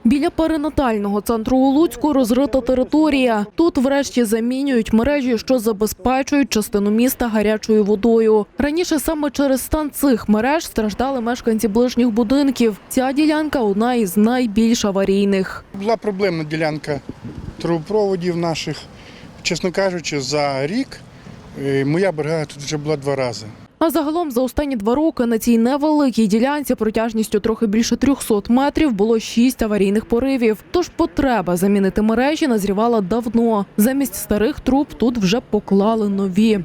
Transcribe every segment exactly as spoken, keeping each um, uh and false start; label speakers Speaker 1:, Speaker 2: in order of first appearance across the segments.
Speaker 1: Біля перинатального центру у Луцьку розрита територія. Тут врешті замінюють мережі, що забезпечують частину міста гарячою водою. Раніше саме через стан цих мереж страждали мешканці ближніх будинків. Ця ділянка – одна із найбільш аварійних.
Speaker 2: Була проблемна ділянка трубопроводів наших. Чесно кажучи, за рік моя бригада тут вже була два рази.
Speaker 1: А загалом за останні два роки на цій невеликій ділянці протяжністю трохи більше трьохсот метрів було шість аварійних поривів. Тож потреба замінити мережі назрівала давно. Замість старих труб тут вже поклали нові.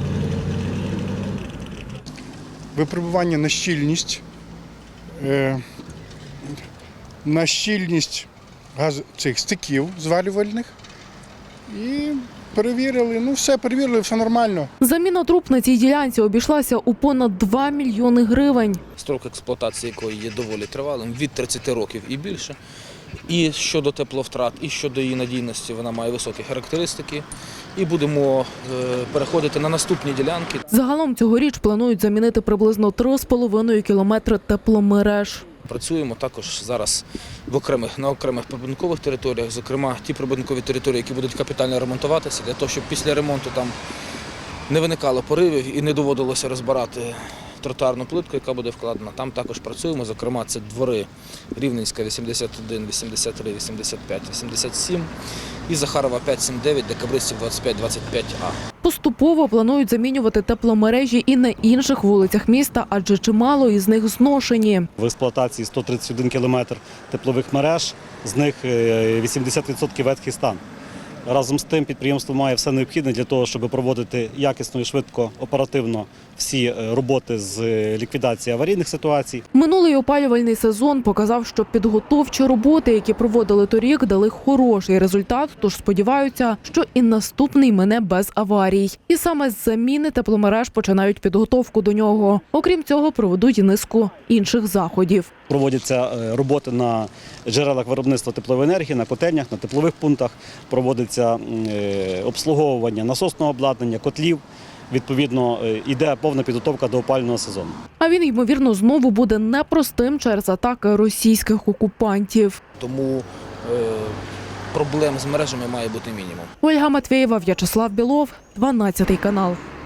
Speaker 2: Випробування на щільність, на щільність газ цих стиків звалювальних і перевірили, ну все, перевірили, все нормально.
Speaker 1: Заміна труб на цій ділянці обійшлася у понад два мільйони гривень.
Speaker 3: Строк експлуатації якої є доволі тривалим, від тридцяти років і більше. І щодо тепловтрат, і щодо її надійності, вона має високі характеристики. І будемо переходити на наступні ділянки.
Speaker 1: Загалом цьогоріч планують замінити приблизно три з половиною кілометри тепломереж.
Speaker 3: Працюємо також зараз в окремих, на окремих прибудинкових територіях, зокрема ті прибудинкові території, які будуть капітально ремонтуватися, для того, щоб після ремонту там не виникало поривів і не доводилося розбирати тротуарну плитку, яка буде вкладена. Там також працюємо, зокрема це двори Рівненська вісімдесят один, вісімдесят три, вісімдесят п'ять, вісімдесят сім і Захарова п'ять сім дев'ять, Декабристів двадцять п'ять двадцять п'ять А.
Speaker 1: Поступово планують замінювати тепломережі і на інших вулицях міста, адже чимало із них зношені.
Speaker 4: В експлуатації сто тридцять один кілометр теплових мереж, з них вісімдесят відсотків ветхий стан. Разом з тим підприємство має все необхідне для того, щоб проводити якісно і швидко, оперативно всі роботи з ліквідації аварійних ситуацій.
Speaker 1: Минулий опалювальний сезон показав, що підготовчі роботи, які проводили торік, дали хороший результат, тож сподіваються, що і наступний мине без аварій. І саме з заміни тепломереж починають підготовку до нього. Окрім цього, проведуть і низку інших заходів.
Speaker 4: Проводяться роботи на джерелах виробництва теплової енергії, на котельнях, на теплових пунктах, проводиться обслуговування насосного обладнання, котлів. Відповідно, йде повна підготовка до опалювального сезону.
Speaker 1: А він, ймовірно, знову буде непростим через атаки російських окупантів.
Speaker 3: Тому е, проблем з мережами має бути мінімум.
Speaker 1: Ольга Матвєєва, В'ячеслав Білов, дванадцятий канал.